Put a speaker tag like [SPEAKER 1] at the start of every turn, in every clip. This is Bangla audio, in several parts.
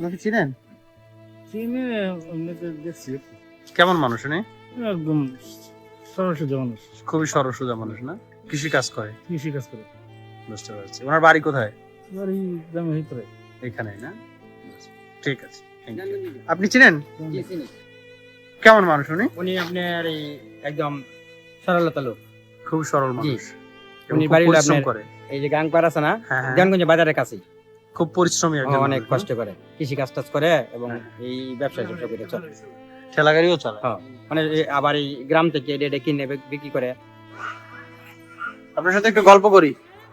[SPEAKER 1] ওনাকে চিনেন?
[SPEAKER 2] চিনি এমনিতে দেখছি।
[SPEAKER 1] কেমন মানুষ উনি?
[SPEAKER 2] একদম সরল মানুষ,
[SPEAKER 1] খুবই সরল সোজা মানুষ না? কৃষি কাজ করে।
[SPEAKER 2] কৃষি কাজ করে।
[SPEAKER 1] বুঝতে পারছি। ওনার বাড়ি কোথায়?
[SPEAKER 2] বাড়ি গ্রামের ভিতরে।
[SPEAKER 1] এখানে না? ঠিক আছে, thank you. আপনি চিনেন? কেমন মানুষ উনি?
[SPEAKER 3] উনি আপনার এই একদম সরলতা লোক।
[SPEAKER 1] খুব সরল মানুষ। এবং
[SPEAKER 3] উনি
[SPEAKER 1] খুব
[SPEAKER 3] বাড়ির
[SPEAKER 1] পরিশ্রম
[SPEAKER 3] আপনার
[SPEAKER 1] করে।
[SPEAKER 3] এই যে গাংপাড় আছে না,
[SPEAKER 1] হ্যাঁ, হ্যাঁ।
[SPEAKER 3] জ্ঞানগঞ্জ বাজারের কাছে
[SPEAKER 1] খুব পরিশ্রমী একজন
[SPEAKER 3] অনেক
[SPEAKER 1] মানুষ,
[SPEAKER 3] কষ্ট
[SPEAKER 1] না?
[SPEAKER 3] করে, কৃষি কাজ টাজ করে এবং
[SPEAKER 1] হ্যাঁ।
[SPEAKER 3] এই ব্যবসা করে চলে।
[SPEAKER 1] ঠেলা গাড়িও চালায়।
[SPEAKER 3] হ্যাঁ, মানে আবার এই গ্রাম থেকে এটা কিনে বিক্রি করে।
[SPEAKER 1] আপনার সাথে একটু গল্প করি।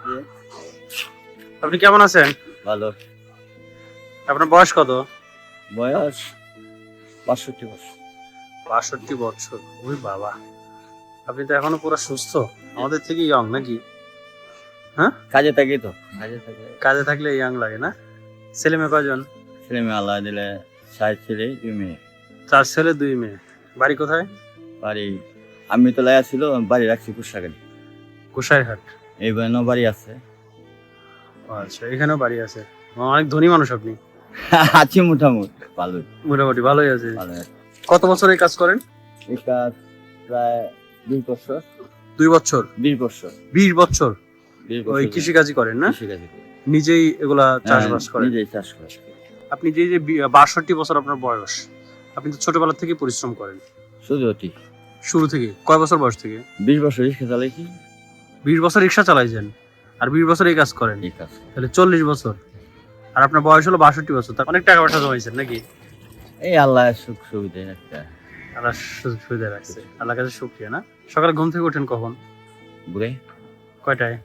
[SPEAKER 1] আপনি কেমন আছেন?
[SPEAKER 4] ভালো।
[SPEAKER 1] আপনার বয়স কত?
[SPEAKER 4] বয়স ৬২ বছর।
[SPEAKER 1] ৬২ বছর। ওই বাবা, আপনি তো এখনো পুরো সুস্থ, আমাদের থেকে ইয়ং নাকি? হ্যাঁ,
[SPEAKER 4] কাজে থাকি তো,
[SPEAKER 1] কাজে থাকলে ইয়ং লাগে না? ছেলে মেয়ে কয়জন?
[SPEAKER 4] ছেলে মেয়ে আল্লাহ দিলে ৬ ছেলে ২ মেয়ে।
[SPEAKER 1] 4 ছেলে 2 মেয়ে। বাড়ি কোথায়?
[SPEAKER 4] বাড়ি আমি তো লাইয়া ছিল, বাড়ি রাখছি কুশাগাড়ি।
[SPEAKER 1] কুশাইরহাট।
[SPEAKER 4] এই বয়নো বাড়ি আছে।
[SPEAKER 1] আচ্ছা, এখানেও বাড়ি আছে। অনেক ধনী মানুষ আপনি।
[SPEAKER 4] আছি মোটামুটি ভালো।
[SPEAKER 1] মোটামুটি ভালোই আছে।
[SPEAKER 4] ভালো আছে।
[SPEAKER 1] কত বছর এই কাজ করেন?
[SPEAKER 4] এই কাজ প্রায় ২ বছর।
[SPEAKER 1] 2 বছর?
[SPEAKER 4] ২০ বছর।
[SPEAKER 1] 20 বছর
[SPEAKER 4] ২০
[SPEAKER 1] ওই
[SPEAKER 4] বছর
[SPEAKER 1] কৃষিকাজই করেন না?
[SPEAKER 4] কৃষিকাজই করি।
[SPEAKER 1] নিজেই এগুলা চাষবাস
[SPEAKER 4] হ্যাঁ,
[SPEAKER 1] করেন?
[SPEAKER 4] নিজেই চাষ করি।
[SPEAKER 1] আপনি যে যে 62 বছর আপনার বয়স, আপনি তো ছোটবেলা থেকে পরিশ্রম করেন।
[SPEAKER 4] শুধু অতি
[SPEAKER 1] শুরু থেকে? কয় বছর বয়স থেকে?
[SPEAKER 4] ২০ বছর রিক্সা চালাইছি।
[SPEAKER 1] 20 বছর রিক্সা চালাইছেন আর 20 বছর এই কাজ করেন,
[SPEAKER 4] এই কাজ
[SPEAKER 1] তাহলে 40 বছর। আর আপনার বয়স হলো 62 বছর, তা অনেক টাকা পয়সা জমাইছেন নাকি?
[SPEAKER 4] এই আল্লাহ সুখ সুবিধা একটা
[SPEAKER 1] আল্লাহ সুযোগ সুবিধা রাখছে, আল্লাহর কাছে শুকরিয়া। না, সকালে ঘুম থেকে ওঠেন কখন?
[SPEAKER 4] ঘুরে
[SPEAKER 1] কয়টায়?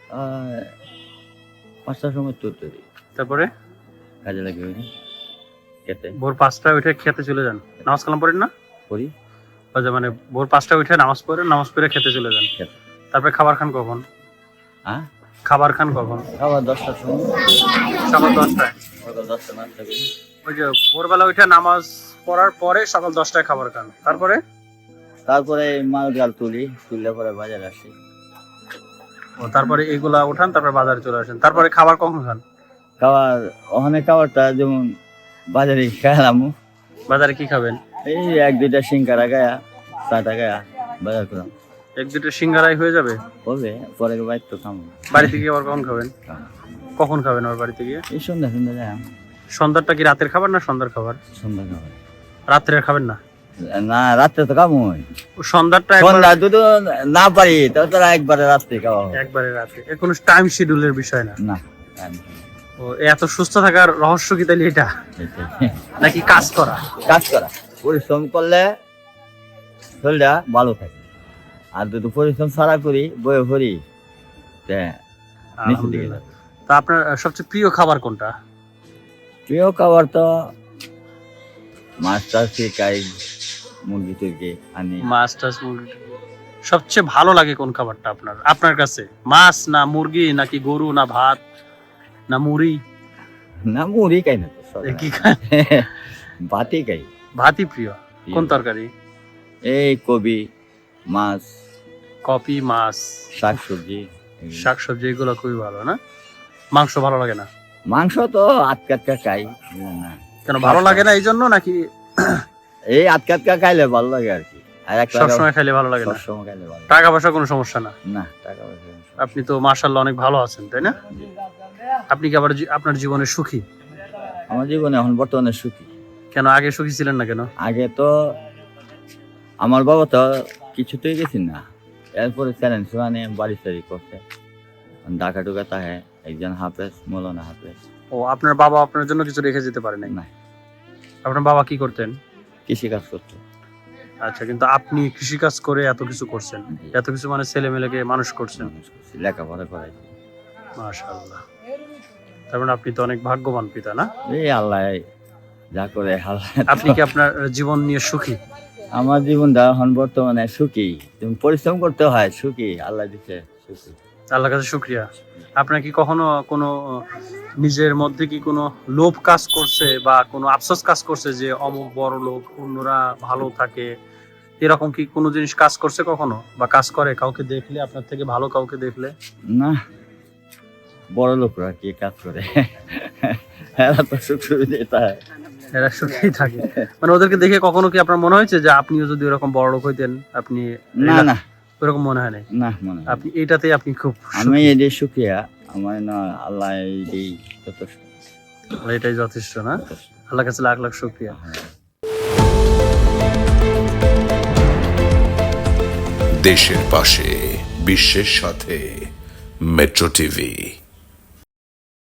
[SPEAKER 4] ৫টার সময় তো তৈরি
[SPEAKER 1] তারপরে
[SPEAKER 4] কাজে লাগে খেতে
[SPEAKER 1] ভোর 5টায় উঠে খেতে চলে যান? নামাজ কালাম পড়েন না?
[SPEAKER 4] করি।
[SPEAKER 1] আচ্ছা, মানে ভোর 5টায় উঠে নামাজ পড়েন, নামাজ পড়ে খেতে চলে যান।
[SPEAKER 4] খেতে।
[SPEAKER 1] তারপরে খাবার খান কখন?
[SPEAKER 4] হ্যাঁ,
[SPEAKER 1] খাবার খান কখন?
[SPEAKER 4] খাবার 10টার সময়।
[SPEAKER 1] সকাল 10টায়?
[SPEAKER 4] সকাল 10টা নাস্তা করি।
[SPEAKER 1] ওই যে ভোরবেলা উঠে নামাজ পড়ার পরে সকাল 10টায় খাবার খান, তারপরে?
[SPEAKER 4] তারপরে মাল গাল তুললে পরে বাজারে আসি।
[SPEAKER 1] ও, তারপরে এগুলা উঠান, তারপরে বাজারে চলে আসেন, তারপরে খাবার কখন খান?
[SPEAKER 4] খাবার ওখানে খাবারটা যেমন বাজারে খেলাম,
[SPEAKER 1] বাজারে কি খাবেন?
[SPEAKER 4] এই 1-2টা সিঙ্গারা গায়া, চাটা গায়া বাজার করলাম।
[SPEAKER 1] 1-2টা সিঙ্গারাই হয়ে যাবে?
[SPEAKER 4] হবে পরে বাইর তো খাবো।
[SPEAKER 1] বাড়িতে গিয়ে আবার কখন খাবেন? কখন খাবেন আবার বাড়িতে গিয়ে?
[SPEAKER 4] এই সন্ধ্যা যায়
[SPEAKER 1] সন্ধ্যাটা কি রাতের খাবার না সন্ধ্যার খাবার?
[SPEAKER 4] সন্ধ্যা খাবার।
[SPEAKER 1] রাত্রে আর খাবেন না?
[SPEAKER 4] না, রাত্রে তো খাবো।
[SPEAKER 1] সন্ধ্যাটা
[SPEAKER 4] সন্ধ্যা দুটো না পারি তো তোরা একবারে রাত্রে খাওয়া হবে।
[SPEAKER 1] একবারে রাতে? এর কোনো টাইম শিডিউলের বিষয় না?
[SPEAKER 4] না,
[SPEAKER 1] ও, এত সুস্থ থাকার রহস্য কি তাহলে এটা,
[SPEAKER 4] এটাই।
[SPEAKER 1] নাকি কাজ করা?
[SPEAKER 4] কাজ করা, পরিশ্রম করলে শরীরটা ভালো থাকে। আর যদি পরিশ্রম ছাড়া করি বয়ে ভরি নিচে দিকে
[SPEAKER 1] আলহামদুলিল্লাহ। তা আপনার সবচেয়ে প্রিয় খাবার কোনটা?
[SPEAKER 4] প্রিয় খাবার তো মাছ টাছ খাই, মুরগি টুরগি আনি।
[SPEAKER 1] মাছ টাছ মুরগি। সবচেয়ে ভালো লাগে কোন খাবারটা আপনার আপনার কাছে? মাছ না মুরগি, নাকি গরু, না ভাত, না মুড়ি?
[SPEAKER 4] না, মুড়ি খাই না তো,
[SPEAKER 1] এ কি খান?
[SPEAKER 4] ভাতই খাই।
[SPEAKER 1] ভাতই প্রিয়। কোন তরকারি?
[SPEAKER 4] এই কবি, মাছ,
[SPEAKER 1] কপি, মাছ,
[SPEAKER 4] শাকসবজি।
[SPEAKER 1] শাকসবজি এগুলো খুবই ভালো না? মাংস ভালো লাগে না?
[SPEAKER 4] মাংস তো আটকা খাই না।
[SPEAKER 1] কেন ভালো লাগে না এই জন্য, নাকি
[SPEAKER 4] এই আটকা খাইলে ভালো লাগে আর কি। আর একটা
[SPEAKER 1] সবসময় খাইলে ভালো লাগে না?
[SPEAKER 4] সবসময় খাইলে ভালো লাগে
[SPEAKER 1] টাকা পয়সা কোনো সমস্যা না?
[SPEAKER 4] না, টাকা পয়সা
[SPEAKER 1] আপনি তো মাশাআল্লাহ অনেক ভালো আছেন, তাই না? আপনি কি আবার আপনার জীবনে সুখী?
[SPEAKER 4] আমার জীবনে এখন বর্তমানে সুখী।
[SPEAKER 1] কেন আগে সুখী ছিলেন না কেন?
[SPEAKER 4] আগে তো আমার বাবা তো কিছুতেই গেছি না, এরপরে চ্যালেঞ্জ মানে বাড়ি সারি করছে। ঢাকা টুকা তাহে একজন হাফেজ, মৌলানা হাফেজ।
[SPEAKER 1] ও, আপনার বাবা আপনার জন্য কিছু রেখে যেতে পারে নাই?
[SPEAKER 4] না,
[SPEAKER 1] আপনার বাবা কি করতেন?
[SPEAKER 4] কৃষি কাজ করতো।
[SPEAKER 1] আচ্ছা, কিন্তু আপনি কৃষিকাজ করে এত কিছু করছেন, এত কিছু মানে ছেলে মেয়েকে মানুষ করছেন।
[SPEAKER 4] লেখাপড়া করাই।
[SPEAKER 1] মাশাআল্লাহ। তার মানে আপনি তো অনেক ভাগ্যবান পিতা, না?
[SPEAKER 4] এই আল্লাহ যা করে আল্লাহ।
[SPEAKER 1] আপনি কি আপনার জীবন নিয়ে সুখী?
[SPEAKER 4] আমার জীবনটা এখন বর্তমানে সুখী। তুমি পরিশ্রম করতে হয়, সুখী আল্লাহ দিচ্ছে, সুখী।
[SPEAKER 1] আল্লাহর কাছে শুকরিয়া। আপনার কি কখনো কোনো নিজের মধ্যে কি কোনো লোভ কাজ করছে বা কোনো আফসোস কাজ করছে যে অমুক বড় লোক, অন্যরা ভালো থাকে, এরকম কি কোনো জিনিস কাজ করছে কখনো, বা কাজ করে কাউকে দেখলে, আপনার থেকে ভালো কাউকে দেখলে?
[SPEAKER 4] না, বড় লোকরা কি কাজ করে? এরা তো শুক্র দেতা হয়।
[SPEAKER 1] এরা সুখেই থাকে। মানে ওদেরকে দেখে কখনো কি আপনার মনে হয়েছে যে আপনিও যদি ওরকম বড় লোক হইতেন আপনি
[SPEAKER 4] না না
[SPEAKER 1] ওরকম মনে হয় নাই?
[SPEAKER 4] না মনে হয় না।
[SPEAKER 1] আপনি এটাতেই আপনি খুব
[SPEAKER 4] আমি এটাই সুখিয়া, আমার না আল্লাহ এইটাই যথেষ্ট।
[SPEAKER 1] এটাই যথেষ্ট না? আল্লাহ কাছে লাখ লাখ শুকরিয়া।
[SPEAKER 5] দেশের পাশে বিশ্বের সাথে মেট্রো টিভি।